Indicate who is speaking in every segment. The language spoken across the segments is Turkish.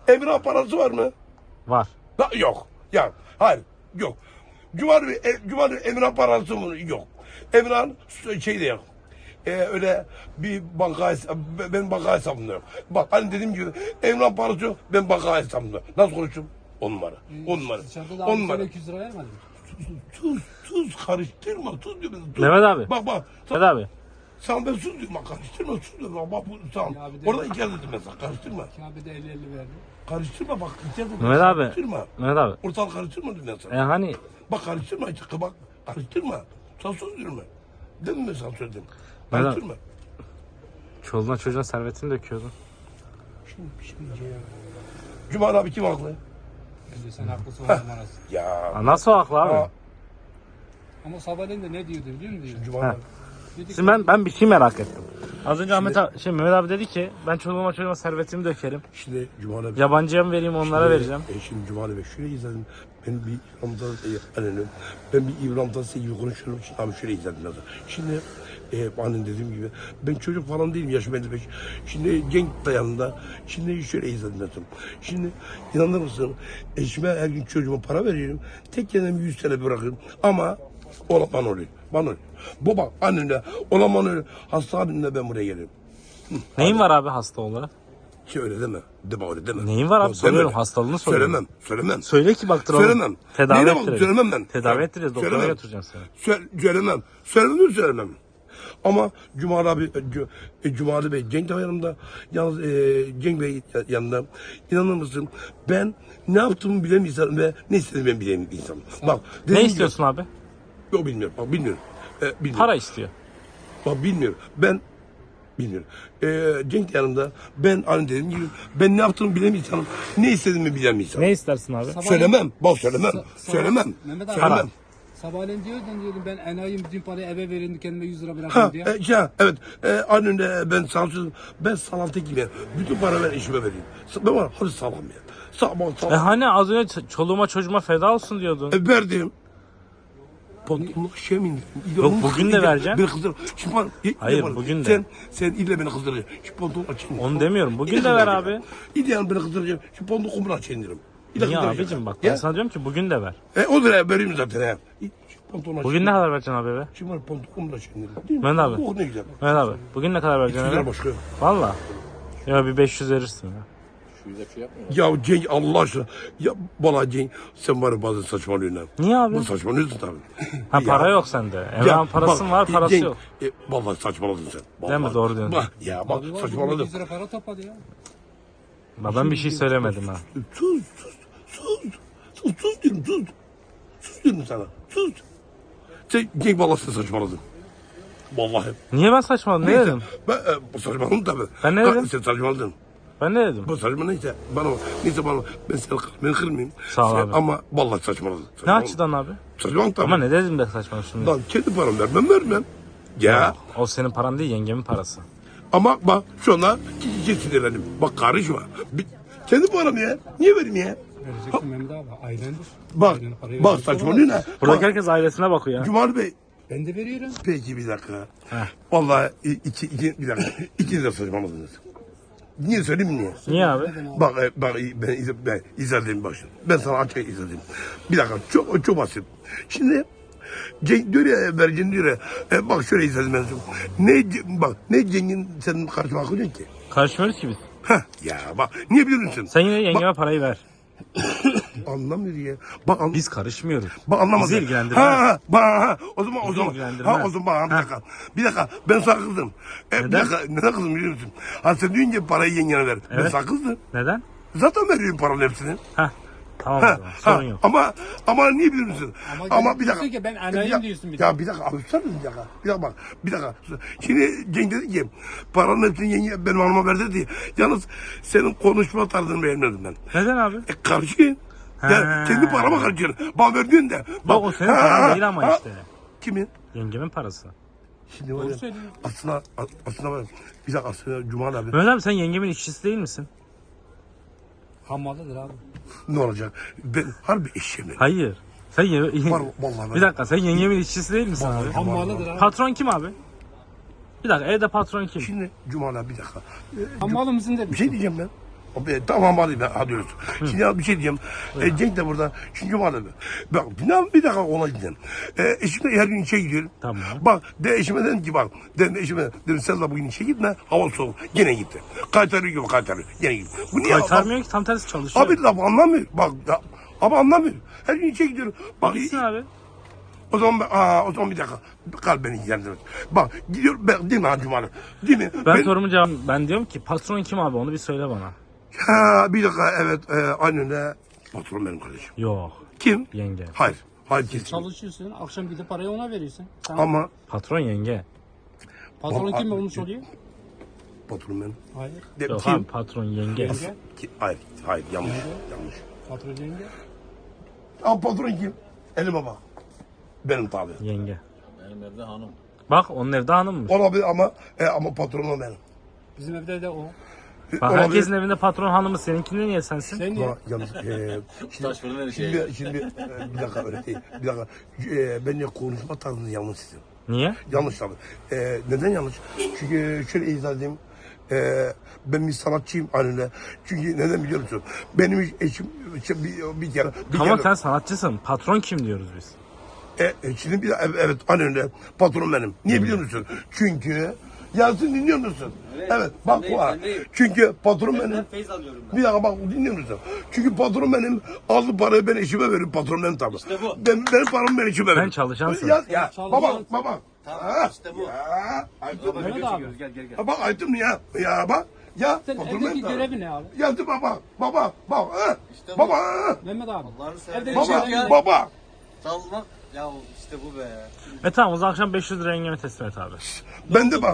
Speaker 1: Emirhan parası var mı?
Speaker 2: Var.
Speaker 1: Yok. Ya hayır. Yok. Cumali Emirhan parası mı? Yok. Emirhan şey de yok. Öyle bir banka ben banka hesabımda yok. Bak hani dediğim gibi Emirhan parası yok. Ben banka hesabımda. Nasıl konuşayım? 10 numara. 10 numara.
Speaker 3: Dışarıda da
Speaker 1: 10
Speaker 3: abi
Speaker 1: numara.
Speaker 3: sana 200 lira vermedin.
Speaker 1: Tuz karıştırma. Tuz diyorum. Tuz.
Speaker 2: Mehmet abi.
Speaker 1: Bak.
Speaker 2: Mehmet abi.
Speaker 1: Sen ben sus diyorum. Bak karıştırma. Sus diyorum. Bak bu tamam.
Speaker 3: Ya bir de-
Speaker 1: Orada iki dedim mesela. Karıştırma.
Speaker 3: Kabe de 50-50 verdi.
Speaker 1: Karıştırma bak. İki dedim.
Speaker 2: Mehmet abi.
Speaker 1: Karıştırma.
Speaker 2: Mehmet abi.
Speaker 1: Ortalık karıştırma dedim ben sana.
Speaker 2: Hani
Speaker 1: Bak karıştırma işte. Bak karıştırma. Sen sus diyorum ben. Dedim mi sana söyledim.
Speaker 2: Neden?
Speaker 1: Karıştırma.
Speaker 2: çoluğuna çocuğuna servetini döküyordun.
Speaker 1: Şimdi ya. Cumali abi kim haklı?
Speaker 3: Bence sen haklısın o numarası.
Speaker 1: Ya.
Speaker 2: Ha, nasıl haklı abi?
Speaker 1: Aa,
Speaker 3: Ama sabahleyin de ne diyordu biliyor musun?
Speaker 1: Cumali
Speaker 2: Ha.
Speaker 1: abi.
Speaker 3: Dedi
Speaker 2: Şimdi ben bir şey merak ettim. Az önce Mehmet abi dedi ki ben çoluğuma çocuğuma servetimi dökerim.
Speaker 1: Şimdi Cumali abi.
Speaker 2: Yabancıya mı vereyim onlara vereceğim.
Speaker 1: Şimdi Cumali Bey şöyle izledim. Ben bir İbrahim'dan ben bir İbrahim'dan size gibi konuşuyorum. Şimdi abi şöyle izledim lazım. Şimdi annem dediğim gibi ben çocuk falan değilim, yaşım 55. Şimdi genç dayanında. Şimdi şöyle izledim lazım. Şimdi inanır mısın? Eşime her gün çocuğuma para veriyorum. Tek kendime 100 TL bırakıyorum. Ama olan bana oluyor. Bana oluyor. Baba annemle olan bana oluyor. Hasta abimle ben buraya gelirim.
Speaker 2: Neyin var abi hasta olarak?
Speaker 1: Ki öyle deme. Deme öyle deme.
Speaker 2: Neyin var abi?
Speaker 1: Deme
Speaker 2: Soruyorum,
Speaker 1: öyle.
Speaker 2: hastalığını soruyorum.
Speaker 1: Söylemem.
Speaker 2: Söyle ki baktıralım.
Speaker 1: Söylemem.
Speaker 2: Tedavi
Speaker 1: Neyine bak,
Speaker 2: ettirelim.
Speaker 1: söylemem ben.
Speaker 2: Tedavi ettireceğiz. Doktora
Speaker 1: Söylemem.
Speaker 2: götüreceğim seni.
Speaker 1: Söylemem. Ama Cumali abi, Cumali Bey Cenk de yanımda. Yalnız Cenk Bey yanında. İnanır mısın? Ben ne yaptığımı bilen bir insanım ve ne istediğimi ben bilen bir insanım. Bak,
Speaker 2: Ne
Speaker 1: dediğim gibi-
Speaker 2: istiyorsun abi?
Speaker 1: Yok bilmiyorum. Bak bilmiyorum. Bilmiyorum.
Speaker 2: Para istiyor.
Speaker 1: Bak bilmiyorum. Ben bilmiyorum. Cenk de yanımda. Ben hani dediğim gibi ben ne yaptığımı bilen bir insanım. Ne istediğimi bilen bir insanım.
Speaker 2: Ne istersin abi?
Speaker 1: Söylemem. Bak söylemem. Söylemem.
Speaker 3: Mehmet abi.
Speaker 1: Söylemem.
Speaker 3: Sabahleyin diyordum ben enayim bütün parayı eve verin kendime 100 lira
Speaker 1: Ha,
Speaker 3: bırakın diye.
Speaker 1: evet. Aynen ben sağlıksızım. Ben salantı gibi. Bütün para ben işime vereyim. Ben var, hadi sağlam ya. Sağlam.
Speaker 2: Hani az önce çoluğuma çocuğuma feda olsun diyordun.
Speaker 1: Verdim. Pantolonluk şey mi indirdin?
Speaker 2: Yok, bugün de vereceğim.
Speaker 1: Beni kızdır. Şimdi
Speaker 2: Hayır, bugün de.
Speaker 1: Sen ille beni kızdıracaksın. Şu pantolonu açayım.
Speaker 2: Onu demiyorum. Bugün de ver abi.
Speaker 1: İlle yani beni kızdıracaksın. Şu pantolonu kumru açayım derim.
Speaker 2: Niye abicim bak ben sana diyorum ki bugün de ver.
Speaker 1: O da vereyim zaten ya. Şu pantolonu
Speaker 2: Bugün ne kadar vereceksin abi eve?
Speaker 1: Şimdi var pantolonu kumru açayım derim. Değil mi?
Speaker 2: Mehmet abi.
Speaker 1: Oh ne güzel.
Speaker 2: Mehmet abi bugün ne kadar vereceksin
Speaker 1: Güzel
Speaker 2: eve?
Speaker 1: başka.
Speaker 2: Valla. Ya bir 500 verirsin ya.
Speaker 1: Ya Cenk Allah aşkına. Ya vallahi Cenk sen var ya bazen saçmalıyorsun ha.
Speaker 2: Niye abi?
Speaker 1: Bu saçmalıyorsun tabii.
Speaker 2: Ha para
Speaker 1: Ya.
Speaker 2: yok sende. Emrah'ın parası
Speaker 1: bak,
Speaker 2: var parası
Speaker 1: Cenk,
Speaker 2: yok.
Speaker 1: Vallahi saçmaladın sen. Vallahi.
Speaker 2: Değil mi? Doğru diyorsun.
Speaker 1: Bak ya bak
Speaker 3: Abi var,
Speaker 1: saçmaladın.
Speaker 3: 100 lira para topladı ya.
Speaker 2: Ben bir şey söylemedim ha.
Speaker 1: Sus diyorum sus. Sus diyorum sana. Sus. Sen Cenk vallahi sen saçmaladın. Vallahi.
Speaker 2: Niye ben saçmaladım? Ne dedim?
Speaker 1: Ben saçmaladım tabii.
Speaker 2: Ben ne dedim?
Speaker 1: Sen saçmaladın.
Speaker 2: Ben ne dedim?
Speaker 1: Bu saçma neyse bana ben seni kalbini kırmayayım.
Speaker 2: Sağ ol abi.
Speaker 1: Ama vallahi saçmaladın.
Speaker 2: Ne açıdan abi?
Speaker 1: Saçmaladın tabii.
Speaker 2: Ama ne dedim be saçma şimdi?
Speaker 1: Lan kendi param vermem. Ya.
Speaker 2: O senin paran değil yengemin parası.
Speaker 1: Ama bak şu anda iyice sinirlendim. Bak karışma. Kendi param ya. Niye vereyim ya?
Speaker 3: Vereceksin Mehmet abi ailendir.
Speaker 1: Bak
Speaker 3: Ailenin parayı
Speaker 1: bak
Speaker 3: vereceksin.
Speaker 1: saçmalıyorsun ha.
Speaker 2: Buradaki
Speaker 1: Bak,
Speaker 2: herkes ailesine bakıyor ya.
Speaker 1: Cumali Bey.
Speaker 3: Ben de veriyorum.
Speaker 1: Peki bir dakika.
Speaker 2: Heh.
Speaker 1: Vallahi bir dakika. İkiniz de saçmaladınız. Niye söyleyeyim mi niye?
Speaker 2: Niye abi?
Speaker 1: Bak ben izledim bak şimdi. Ben sana açık izledim. Bir dakika çok basit. Şimdi Cenk diyor ya vereceğini diyor ya. Bak şöyle izledim ben. Ne Cenk'in senin karşıma koyacaksın ki?
Speaker 2: Karışmıyoruz ki biz.
Speaker 1: Heh ya bak niye biliyor musun?
Speaker 2: Sen yine yengeme parayı ver.
Speaker 1: Anlamıyor ya. Bak
Speaker 2: Biz karışmıyoruz.
Speaker 1: Bak anlamadım.
Speaker 2: Bizi ilgilendirmez.
Speaker 1: O zaman.
Speaker 2: ilgilendirmez.
Speaker 1: O zaman bir dakika. Ben sana kızdım. Bir dakika. Neden kızdım biliyor musun? Ha sen deyince parayı yengene ver. Ben
Speaker 2: Evet.
Speaker 1: sana kızdım.
Speaker 2: Neden?
Speaker 1: Zaten veriyorum paranın hepsini.
Speaker 2: Heh. Tamam o zaman. Sorun yok.
Speaker 1: Ama niye biliyor musun?
Speaker 3: Ama
Speaker 1: Bir dakika.
Speaker 3: diyorsun ki ben anayım diyorsun bir de.
Speaker 1: Ya bir dakika abi sen bir dakika. Bir dakika bak. Bir dakika. Şimdi Cenk dedi ki paranın hepsini yenge benim hanıma ver dedi. Yalnız senin konuşma tarzını beğenmedim ben.
Speaker 2: Neden abi?
Speaker 1: Karışın. Ya kendi parama karışıyorsun. Bana verdiğin de.
Speaker 2: Bak o senin paran değil ama işte.
Speaker 1: Kimin?
Speaker 2: Yengemin parası.
Speaker 1: Şimdi var ya,
Speaker 3: söylüyorsun.
Speaker 1: aslında var ya, bir dakika aslında Cumali abi
Speaker 2: Mehmet abi sen yengemin işçisi değil misin?
Speaker 3: Hammalıdır abi.
Speaker 1: ne olacak? Ben harbi eşeğim.
Speaker 2: Hayır. Sen
Speaker 1: Var vallahi.
Speaker 2: Bir dakika sen yengemin işçisi değil misin abi?
Speaker 3: Hammalıdır abi.
Speaker 2: Patron kim abi? Bir dakika evde patron kim?
Speaker 1: Şimdi Cumali abi bir dakika.
Speaker 3: Hammalı mısın dedim.
Speaker 1: Bir şey diyeceğim ben. Tamam hadi ben hadi öyleyse. Şimdi ya bir şey diyeyim. Cenk de burada. Şimdi vardı. Bak bir dakika ona gideceğim. Eşimle her gün işe gidiyorum.
Speaker 2: Tamam.
Speaker 1: Bak eşime dedim ki bak. Eşime dedim sen de bugün işe gitme. Hava soğuk. Gene gitti. Kaytarıyor gibi kaytarıyor. Gene gitti. Bu niye?
Speaker 2: Kaytarmıyor ki tam tersi çalışıyor.
Speaker 1: Abi laf anlamıyor. Bak ya, ama anlamıyor. Her gün işe gidiyorum. Bak
Speaker 2: Gitsin abi.
Speaker 1: o zaman bir dakika. Kalp beni ilgilendirmez. Bak gidiyorum ben değil mi ha Cumali? Değil mi?
Speaker 2: Ben diyorum ki patron kim abi onu bir söyle bana.
Speaker 1: Bir dakika evet aynen öyle. Patron benim kardeşim.
Speaker 2: Yok.
Speaker 1: Kim?
Speaker 2: Yenge.
Speaker 1: Hayır. Hayır kesin.
Speaker 3: Çalışıyorsun, akşam gidip parayı ona veriyorsun. Tamam.
Speaker 1: Ama
Speaker 2: Patron yenge.
Speaker 3: Patron
Speaker 1: Ama-
Speaker 3: kim onu soruyor?
Speaker 1: patron benim.
Speaker 3: Hayır.
Speaker 2: Yok
Speaker 1: Kim?
Speaker 2: abi patron yenge.
Speaker 3: Yenge.
Speaker 1: Hayır yanlış.
Speaker 3: Patron yenge.
Speaker 1: Ama patron kim? Elime bak. Benim tabi.
Speaker 2: Yenge.
Speaker 4: Benim evde hanım.
Speaker 2: Bak onun evde hanımmış.
Speaker 1: Olabilir ama patronum benim.
Speaker 3: Bizim evde de o.
Speaker 2: Bak
Speaker 1: Olabilir.
Speaker 2: herkesin evinde patron hanımı seninkinde niye sensin?
Speaker 3: Sen niye?
Speaker 1: Ama yalnız
Speaker 4: Taş fırın her şey.
Speaker 1: şimdi bir dakika öyle değil. Bir dakika. Bence konuşma tarzını yanlış sizin.
Speaker 2: Niye?
Speaker 1: Yanlış tabii. Neden yanlış? Çünkü şöyle izah edeyim. Ben bir sanatçıyım anne. Çünkü neden biliyor musun? Benim eşim bir kere...
Speaker 2: Ama sen sanatçısın. Patron kim diyoruz biz?
Speaker 1: Şimdi evet anne patron benim. Niye biliyor musun? Çünkü Yasin dinliyor musun? Evet bak bu ha. Çünkü patron benim.
Speaker 4: Feyz alıyorum ben.
Speaker 1: Bir dakika bak dinliyor musun? Çünkü patron benim aldı parayı ben eşime veriyorum patron benim tabii.
Speaker 4: İşte bu.
Speaker 1: Benim paramı ben eşime veriyorum.
Speaker 2: çalışansın.
Speaker 1: Ya
Speaker 3: Çalışan-
Speaker 1: baba.
Speaker 4: Tamam, işte bu.
Speaker 1: Ayıptır mı?
Speaker 3: Mehmet abi.
Speaker 4: Gel gel gel.
Speaker 1: Ha, bak ayıptır mı ya? Ya bak. Ya
Speaker 3: Sen
Speaker 1: patron
Speaker 3: evdeki
Speaker 1: benim tabii.
Speaker 3: görevi ne abi?
Speaker 1: Geldi baba. Bak.
Speaker 4: İşte bu.
Speaker 1: Baba.
Speaker 3: Mehmet abi.
Speaker 4: Allah'ını seversen.
Speaker 3: Evde
Speaker 4: Baba,
Speaker 3: bir şey
Speaker 1: Baba.
Speaker 4: Salmak. Ya işte bu be.
Speaker 2: Tamam o zaman akşam 500 lira yengeme teslim et abi.
Speaker 1: Ben de bak.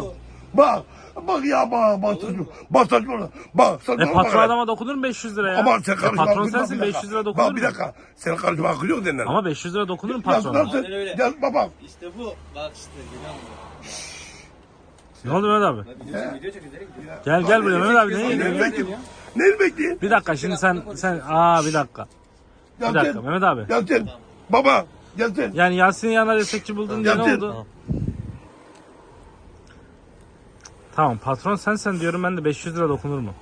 Speaker 1: Bak ya bak saçmalama. Bak saçmalama.
Speaker 2: Patron adama dokunur mu 500 lira ya?
Speaker 1: Ama sen karışma.
Speaker 2: Patron
Speaker 1: bir dakika,
Speaker 2: sensin
Speaker 1: bir dakika.
Speaker 2: 500 lira dokunur
Speaker 1: Bak
Speaker 2: mu?
Speaker 1: bir dakika. Senin karışma hakkı yok denilen.
Speaker 2: Ama 500 lira dokunur mu
Speaker 1: Ya
Speaker 2: patrona?
Speaker 1: sen
Speaker 4: Aynen öyle.
Speaker 1: gel baba.
Speaker 4: İşte bu. Bak işte görüyor musun?
Speaker 2: Ne oldu Mehmet abi?
Speaker 4: Video çekiyor. Nereye gidiyor?
Speaker 2: Gel buraya Mehmet abi
Speaker 1: Neyi
Speaker 2: ne gidiyorsun?
Speaker 1: bekliyorsun? Neyi bekliyorsun?
Speaker 2: Bir dakika şimdi sen bir dakika. Bir dakika Mehmet abi.
Speaker 1: Gelsin. Baba gelsin.
Speaker 2: Yani Yasin'in yanına destekçi buldun diye ne
Speaker 1: Gelsin.
Speaker 2: oldu? Tamam patron sensen diyorum ben de 500 lira dokunur mu?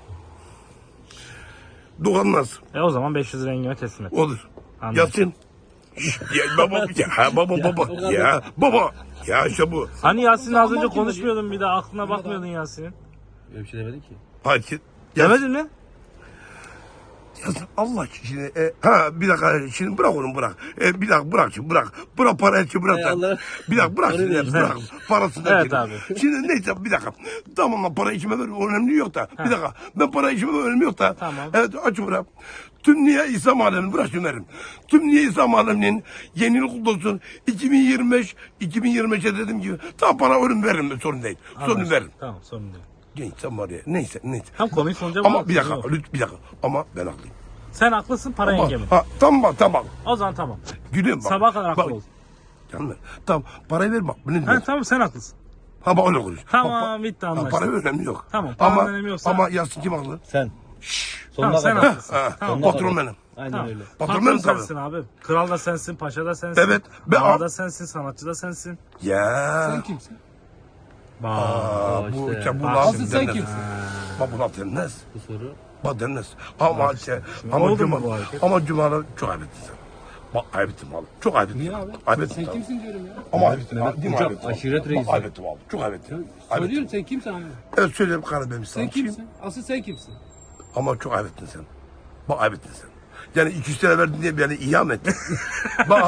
Speaker 1: Dokunmaz.
Speaker 2: O zaman 500 lira yengeme teslim et.
Speaker 1: Olur.
Speaker 2: Anladım.
Speaker 1: Gelsin. Ya baba. Baba. Ya işte bu.
Speaker 2: Hani Yasin'le az önce
Speaker 3: Aman kim
Speaker 2: konuşmuyordun bir de aklına bakmıyordun Yasin'in.
Speaker 4: Öyle bir şey demedi ki.
Speaker 1: Hayır.
Speaker 2: Demedin mi?
Speaker 1: Yazın Allah şimdi bir dakika şimdi bırak onu bırak. Bir dakika bırak şimdi bırak. Bırak parayı şimdi bırak.
Speaker 4: Allah.
Speaker 1: Bir dakika bırak şimdi bırak. Parasını
Speaker 2: Evet
Speaker 1: şimdi.
Speaker 2: abi.
Speaker 1: Şimdi neyse bir dakika. Tamam lan parayı içime ver önemli yok da. Bir dakika ben parayı içime ver önemli yok da.
Speaker 2: Tamam.
Speaker 1: Evet aç bırak. Tüm Niye İslam Alemi'ni bırak şimdi verin. Tüm Niye İslam Alemi'nin yeni yıl kutlu olsun. 2025'e dediğim gibi tam para veririm sorun değil. Sorun veririm.
Speaker 2: Tamam sorun değil.
Speaker 1: Genç sen var ya neyse.
Speaker 2: Tam konuyu sonuca
Speaker 1: Ama
Speaker 2: bırak.
Speaker 1: bir dakika
Speaker 2: Yok.
Speaker 1: bir dakika ama ben haklıyım.
Speaker 2: Sen haklısın para yengemin.
Speaker 1: Tamam.
Speaker 2: O zaman tamam.
Speaker 1: Gülüyorum bak.
Speaker 2: Sabaha kadar haklı
Speaker 1: Bak,
Speaker 2: ol.
Speaker 1: Canım tamam parayı ver bak. Ne
Speaker 2: Ha,
Speaker 1: diyorsun?
Speaker 2: tamam sen haklısın.
Speaker 1: Ha bak öyle konuş.
Speaker 2: Tamam bitti anlaştık.
Speaker 1: Para önemli yok.
Speaker 2: Tamam, paranın
Speaker 1: ama,
Speaker 2: önemi yoksa-
Speaker 1: Ama Yasin kim haklı?
Speaker 4: Sen.
Speaker 2: Tamam sen haklısın. Tamam.
Speaker 1: Patron benim.
Speaker 4: Aynen
Speaker 2: Tamam.
Speaker 4: öyle.
Speaker 1: Patron
Speaker 2: Patron
Speaker 1: benim tabii.
Speaker 2: sensin abi. Kral da sensin, paşa da sensin.
Speaker 1: Evet, ben-
Speaker 2: Ağa da sensin, sanatçı da sensin.
Speaker 1: Ya.
Speaker 3: Sen kimsin?
Speaker 2: Bak.
Speaker 1: Bu
Speaker 4: işte.
Speaker 1: işte bu
Speaker 2: Bak
Speaker 1: laf
Speaker 3: Asıl sen
Speaker 1: denmez.
Speaker 3: kimsin?
Speaker 1: Bak bu laf denmez.
Speaker 4: Bu soru.
Speaker 1: Bak denmez. Ama ama
Speaker 2: oldu
Speaker 1: Cuma
Speaker 2: mu bu hareket?
Speaker 1: ama Cuma'da çok ayıp ettin sen. Bak ayıp ettin abi. Çok ayıp ettin.
Speaker 3: Niye abi?
Speaker 1: Ayıp ettin
Speaker 3: Sen
Speaker 1: tabii.
Speaker 3: kimsin diyorum ya.
Speaker 1: Ama ayıp ettin.
Speaker 4: Mehmet
Speaker 1: Değil mi
Speaker 4: Uçak,
Speaker 1: ayıp ettin?
Speaker 4: aşiret
Speaker 1: Bak,
Speaker 4: reisi.
Speaker 1: ayıp ettim abi. Çok ayıp ettin. Ayıp ettin.
Speaker 3: Soruyorum sen kimsin abi?
Speaker 1: Evet söyleyeyim karı benim
Speaker 3: Sen
Speaker 1: sanatçıyım.
Speaker 3: kimsin? Asıl sen kimsin?
Speaker 1: Ama çok ayıp ettin sen. Bak ayıp ettin sen. Yani 200 TL verdin diye beni iham ettin. bak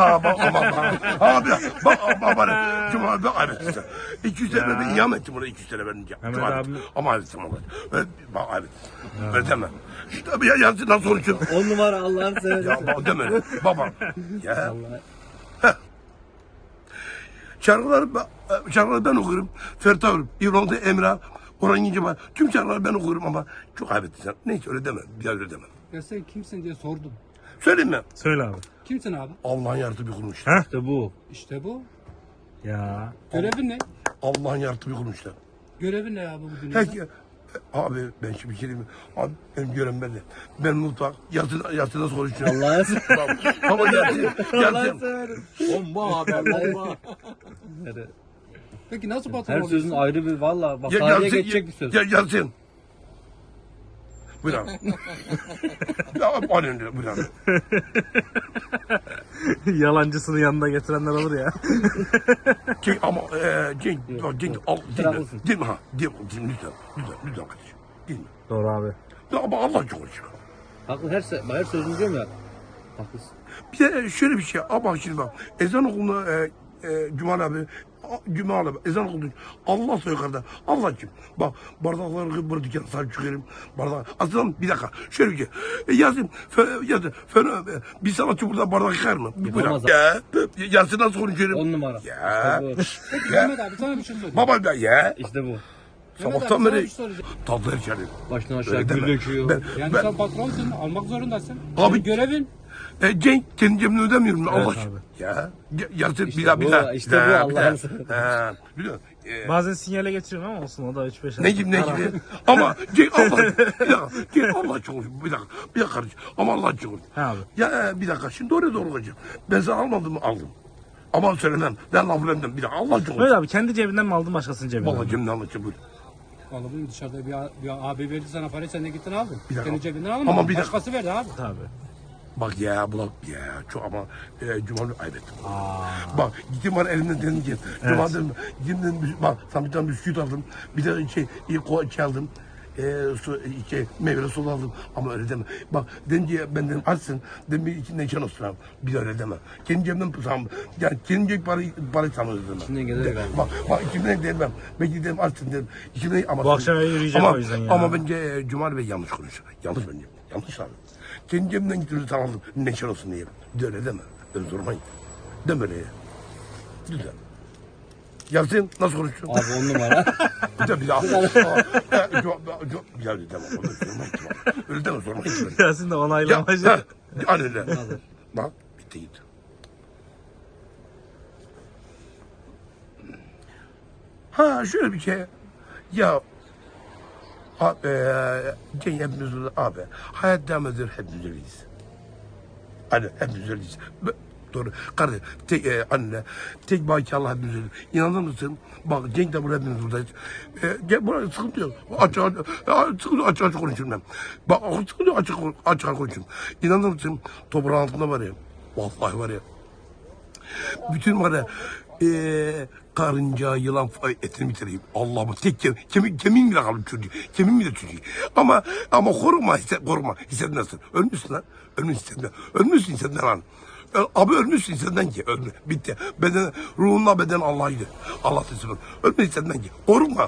Speaker 1: bana. Cuma bak ayıp ettin sen. 200 TL verdin iham ettin buna 200 TL verdince.
Speaker 2: Mehmet
Speaker 1: Çok ayıp
Speaker 2: abi-
Speaker 1: ettin. Ama ayıp ettin ama. Bak ayıp ettin. Öyle deme. Tabii ya Yasin nasıl konuşuyorsun?
Speaker 4: 10 numara Allah'ını seversen.
Speaker 1: Ya bak deme. Baba. Ya. Şarkıları ben okurum. Ferit Ağır, İbrahim Emrah, Orhan Gencebay. Tüm şarkıları ben okurum ama çok ayıp ettin sen. Neyse öyle deme. Bir daha öyle deme.
Speaker 3: Ya sen kimsin diye sordum.
Speaker 1: Söyleyeyim mi?
Speaker 2: Söyle abi.
Speaker 3: Kimsin abi?
Speaker 1: Allah'ın yaratığı bir kurmuş.
Speaker 2: Ha?
Speaker 4: İşte bu.
Speaker 3: İşte bu.
Speaker 2: Ya.
Speaker 3: Görevin ne?
Speaker 1: Allah'ın yaratığı bir kurmuşlar.
Speaker 3: Görevin ne abi bu dünyada?
Speaker 1: Peki. Abi ben şimdi bir şey diyeyim mi? Abi benim görevim belli. Ben mutfak. Yatı nasıl konuşuyorum?
Speaker 4: Allah'ını seversen.
Speaker 1: Ama Yasin.
Speaker 4: Allah'ını seversen. Bomba abi bomba.
Speaker 3: Peki nasıl patron
Speaker 4: Her
Speaker 3: oluyorsun?
Speaker 4: sözün ayrı bir valla. Bak tarihe geçecek bir söz.
Speaker 1: Yasin. Buyur abi. Ya aynen öyle. Buyur abi.
Speaker 2: Yalancısını yanında getirenler olur ya.
Speaker 1: Cenk ama Cenk al değil mi?
Speaker 4: Haklısın.
Speaker 1: Değil mi ha? Değil mi? Lütfen kardeşim. Değil mi?
Speaker 2: Doğru abi.
Speaker 1: Ya ama Allah çok hoş.
Speaker 4: Haklı her sözünü diyorum ya. Haklısın.
Speaker 1: Bir de şöyle bir şey. Ama şimdi bak ezan okuluna Cumali abi Cumali abi ezan okulunda Allah yukarıda. Allah kim? Bak bardakları burada dükkan sahip çıkarım. Bardak. Aslında bir dakika. Şöyle bir şey. Yazın. Yazın. Bir sanatçı burada bardak yıkar mı?
Speaker 4: Yapamaz
Speaker 1: Buyur. Ya. Yazın nasıl konuşuyorum?
Speaker 4: 10 numara.
Speaker 1: Ya.
Speaker 4: İşte bu.
Speaker 3: Peki Mehmet abi sana bir şey sorayım.
Speaker 1: Baba da ya.
Speaker 4: İşte bu.
Speaker 3: Mehmet
Speaker 1: Sabahtan
Speaker 3: abi, sana bir
Speaker 1: beri
Speaker 3: şey soracağım.
Speaker 1: tatlı içerim.
Speaker 4: Baştan aşağı
Speaker 1: Öyle
Speaker 4: gül
Speaker 1: deme.
Speaker 4: döküyor.
Speaker 3: Yani
Speaker 1: Ben-
Speaker 3: sen patronsun, almak zorundasın.
Speaker 1: Abi-
Speaker 3: Senin görevin.
Speaker 1: Cenk kendi cebimden ödemiyorum Allah
Speaker 2: Evet
Speaker 1: aşkına.
Speaker 2: abi.
Speaker 1: Ya. Yazın
Speaker 4: İşte
Speaker 1: bir daha
Speaker 4: bu,
Speaker 1: bir daha.
Speaker 4: işte
Speaker 1: Bir
Speaker 4: bu
Speaker 1: daha,
Speaker 4: Allah'ın
Speaker 1: bir daha.
Speaker 4: sınırı.
Speaker 1: Ha, biliyor musun?
Speaker 2: Bazen sinyale getiriyorum ama olsun o da 3-5
Speaker 1: Ne gibi ne gibi. Ama Cenk Allah. Bir dakika. Cenk Allah çok hoş. Bir dakika. Bir dakika kardeşim. Ama Allah çok hoş.
Speaker 2: He abi.
Speaker 1: Ya bir dakika. Şimdi oraya doğru olacak. Ben sana almadım mı? Aldım. Ama söylemem. Ben laf vermem. Bir dakika. Allah çok hoş.
Speaker 2: Mehmet abi kendi cebinden mi aldın başkasının cebinden mi?
Speaker 1: Vallahi cebimden alacağım. Buyur.
Speaker 3: Vallahi bunu dışarıda bir abi verdi sana parayı, sen de gittin aldın.
Speaker 1: Bir dakika.
Speaker 3: Senin cebinden almadın.
Speaker 1: Ama bir dakika.
Speaker 3: Başkası verdi abi.
Speaker 2: Tabii.
Speaker 1: Bak ya bu ya çok ama Cumali ayıp ettim. Bak gittim var elimden dedim ki Cumali dedim gittim dedim bak sana bir tane bisküvit aldım bir de şey aldım meyveli soda aldım ama öyle deme. Bak dedim ki ben dedim açsın dedim bir içinden çan olsun abi bir de öyle deme. Kendi cebimden tamam yani kendi cebim parayı tamam dedim.
Speaker 4: İçinden gelir galiba.
Speaker 1: Bak içimden demem ben gidelim açsın dedim. İçimden ama
Speaker 2: Bu akşam eve yürüyeceğim
Speaker 1: ama,
Speaker 2: o yüzden ya.
Speaker 1: Ama bence Cumali Bey yanlış konuşuyor. Yanlış bence. Yanlış abi. Kendi cebimden gidiyoruz tamam neşe olsun diye. De öyle deme. Ben zormayım. Deme öyle ya. Lütfen. Yasin nasıl konuşuyorsun?
Speaker 4: Abi 10 numara.
Speaker 1: Bir de bir daha. Ya deme. Öyle deme zormayım.
Speaker 2: Yasin de
Speaker 1: Ya,
Speaker 2: onaylamacı.
Speaker 1: ha, aynen öyle. Bak bitti gitti. Ha şöyle bir şey. Ya abi, Cenk hepimiz burada abi. Hayat devam ediyor hepimiz öyleyiz. Hani hepimiz öyleyiz. Doğru. Kardeş, anne, tek baki Allah hepimiz öyleyiz. İnanır mısın? Bak Cenk de burada hepimiz buradayız. Buraya sıkıntı yok. Açık konuşurum ben. Bak sıkıntı yok açık konuşurum. İnanır mısın? Toprağın altında var ya. Vallahi var ya. Bütün var ya karınca, yılan etini bitireyim. Allah'ım tek kemiğim bile kaldı çocuğu. Kemiğim bile çocuğu. Ama koruma hissetmezsin. Ölmüşsün lan. Ölmüşsün hissetme lan. Abi ölmüşsün senden ki. Ölme. Bitti. Beden, ruhunla beden Allah'ydı. Allah teslim. Ölmüşsün senden ki. Koruma.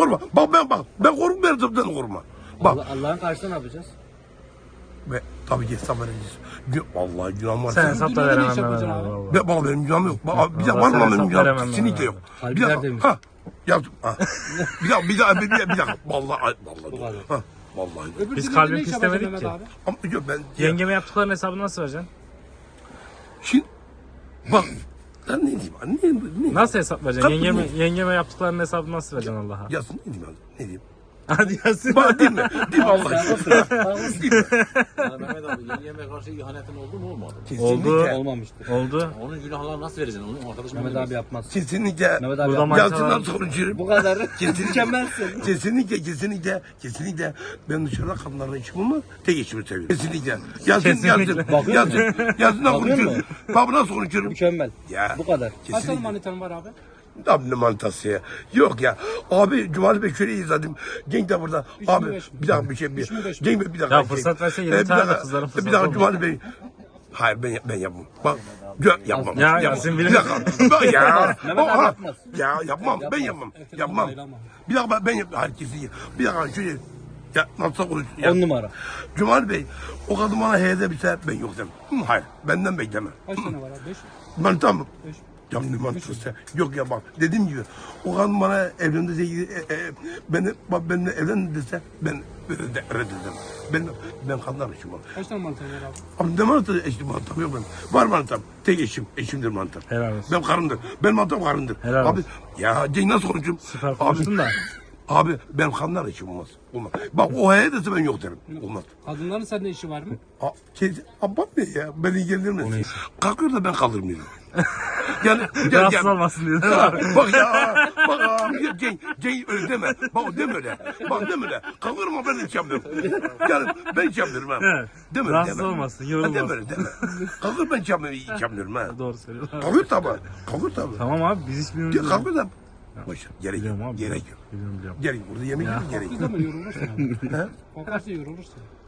Speaker 1: Ben korkmuyorum senden koruma. Bak.
Speaker 4: Allah'ın karşısında ne yapacağız?
Speaker 1: Ve tabii ki hesap vereceğiz. Vallahi günahım var.
Speaker 2: Sen hesap da veremem
Speaker 3: iş yapacaksın
Speaker 2: Mehmet
Speaker 3: abi.
Speaker 2: abi. vallahi.
Speaker 1: Baba benim günahım yok. Bir de
Speaker 2: Allah
Speaker 1: var mı
Speaker 2: sen
Speaker 1: benim
Speaker 2: hesap
Speaker 1: günahım?
Speaker 2: veremem
Speaker 1: Kesinlikle
Speaker 2: ben.
Speaker 1: yok.
Speaker 4: Kalbi
Speaker 1: Bir dakika.
Speaker 4: tertemiz.
Speaker 1: Ha. Yaptım. Ha. Bir dakika. Vallahi. Ha. Vallahi.
Speaker 3: Öbür
Speaker 2: Biz
Speaker 3: türlü
Speaker 2: kalbim
Speaker 3: ne iş
Speaker 2: pislemedik
Speaker 3: yapacaksın
Speaker 2: ki.
Speaker 3: Mehmet abi?
Speaker 1: Ama yok ben.
Speaker 2: Yengeme yaptıklarının hesabını nasıl vereceksin?
Speaker 1: Şimdi. Bak. Ben ne diyeyim? Ne?
Speaker 2: Nasıl hesap vereceksin?
Speaker 1: Kapı
Speaker 2: Yengeme yaptıklarının hesabını nasıl vereceksin Allah'a?
Speaker 1: Yazsın ne diyeyim? Ne diyeyim?
Speaker 2: Hadi Yasin.
Speaker 1: Bak değil mi? Değil mi Allah aşkına?
Speaker 5: Yani Mehmet abi yengeme karşı ihanetin oldu mu olmadı mı?
Speaker 1: Kesinlikle.
Speaker 4: Olmamıştır.
Speaker 2: Oldu.
Speaker 5: Onun günahlarını nasıl vereceksin? Onun arkadaşım
Speaker 4: Mehmet abi yapmaz.
Speaker 1: Kesinlikle.
Speaker 4: Mehmet abi
Speaker 2: Burada
Speaker 4: yapmaz.
Speaker 1: Yazsın
Speaker 2: manitalar-
Speaker 1: nasıl konuşurum?
Speaker 4: Bu kadar.
Speaker 1: Kesinlikle.
Speaker 4: Mükemmelsin.
Speaker 1: Kesinlikle ben dışarıda kadınlarla işim olmaz. Tek işimi seviyorum. Kesinlikle. Yazın.
Speaker 4: Bakıyor musun?
Speaker 1: Yazın nasıl
Speaker 4: Bakıyor
Speaker 1: konuşuyorum? Bak nasıl konuşuyorum?
Speaker 4: Mükemmel.
Speaker 1: Ya.
Speaker 4: Bu kadar.
Speaker 3: Kaç tane
Speaker 1: Kesinlikle.
Speaker 3: manitan var abi?
Speaker 1: Abi ne manitası ya? Yok ya. Abi Cumali Bey şöyle izledim. Cenk de burada.
Speaker 3: Üç mü,
Speaker 1: Abi
Speaker 3: beş mi?
Speaker 1: bir dakika bir şey.
Speaker 3: Üç mü, beş mi?
Speaker 1: Cenk Bey bir dakika.
Speaker 2: Ya fırsat verse 20
Speaker 1: bir
Speaker 2: tane de
Speaker 1: dakika,
Speaker 2: kızların fırsatı
Speaker 1: Bir dakika
Speaker 2: olmaz.
Speaker 1: Cumali Bey. Hayır ben yapmam. Bak yapmam.
Speaker 2: Ya
Speaker 1: yapmam.
Speaker 2: Yasin
Speaker 1: Bir
Speaker 2: bilir.
Speaker 1: dakika. Ya.
Speaker 4: Mehmet abi yapmaz.
Speaker 1: Ya yapmam. Ben yapmam. Yapmam. Bir dakika ben yapmam. Herkesi bir dakika şöyle. Ya nasıl konuşuyorsun?
Speaker 4: 10 numara.
Speaker 1: Cumali Bey o kadın bana heyede biter ben yok demem. Hayır benden bekleme.
Speaker 3: Kaç tane var abi? 5?
Speaker 1: Ben tamam.
Speaker 3: 5.
Speaker 1: Ya ne mantıklısı? Yok ya bak dediğim gibi o kadın bana evlendi dese benimle evlendi dese ben reddederim. Ben kadınlar eşim var.
Speaker 3: Kaç tane manitan var abi?
Speaker 1: Abi ne mantığı eşim mantam yok benim. Var mantam. Tek eşimdir mantam.
Speaker 2: Helal olsun.
Speaker 1: Ben karımdır. Ben mantam karımdır.
Speaker 2: Helal
Speaker 1: Abi
Speaker 2: olsun.
Speaker 1: ya Cenk nasıl konuşayım?
Speaker 2: Süper konuştun da.
Speaker 1: Abi ben kadınlar eşim olmaz. Olmaz. Bak o heye dese ben yok derim. Olmaz.
Speaker 3: Kadınların sende işi var mı?
Speaker 1: Abam ne ya? Beni ilgilendirmez. Kalkıyor da ben kaldırmıyorum. Yani gel
Speaker 2: Rahatsız
Speaker 1: gel.
Speaker 2: olmasın diye.
Speaker 1: Ha, bak ya, bak ya, Cenk öyle deme. Bak deme öyle. Bak deme öyle. Kalkırım ama ben hiç yapmıyorum. Yani ben hiç yapmıyorum ha.
Speaker 2: Evet.
Speaker 1: Deme öyle,
Speaker 2: Rahatsız
Speaker 1: deme.
Speaker 2: olmasın,
Speaker 1: Ha,
Speaker 2: yorulmasın.
Speaker 1: deme öyle, deme. Kalkır ben hiç yapmıyorum ha.
Speaker 2: Doğru söylüyorsun.
Speaker 1: Kalkır tabi. Kalkır tabi.
Speaker 2: Tamam abi biz hiç bilmiyoruz.
Speaker 1: Kalkır tabi. Boş ver, gerek
Speaker 2: Biliyorum
Speaker 1: yok.
Speaker 2: abi.
Speaker 1: Gerek yok.
Speaker 2: Biliyorum.
Speaker 1: Gerek yok. Burada yemek yok, gerek
Speaker 3: Kalktığı
Speaker 1: yok.
Speaker 3: zaman yorulursun abi. Kalkarsa yorulursun.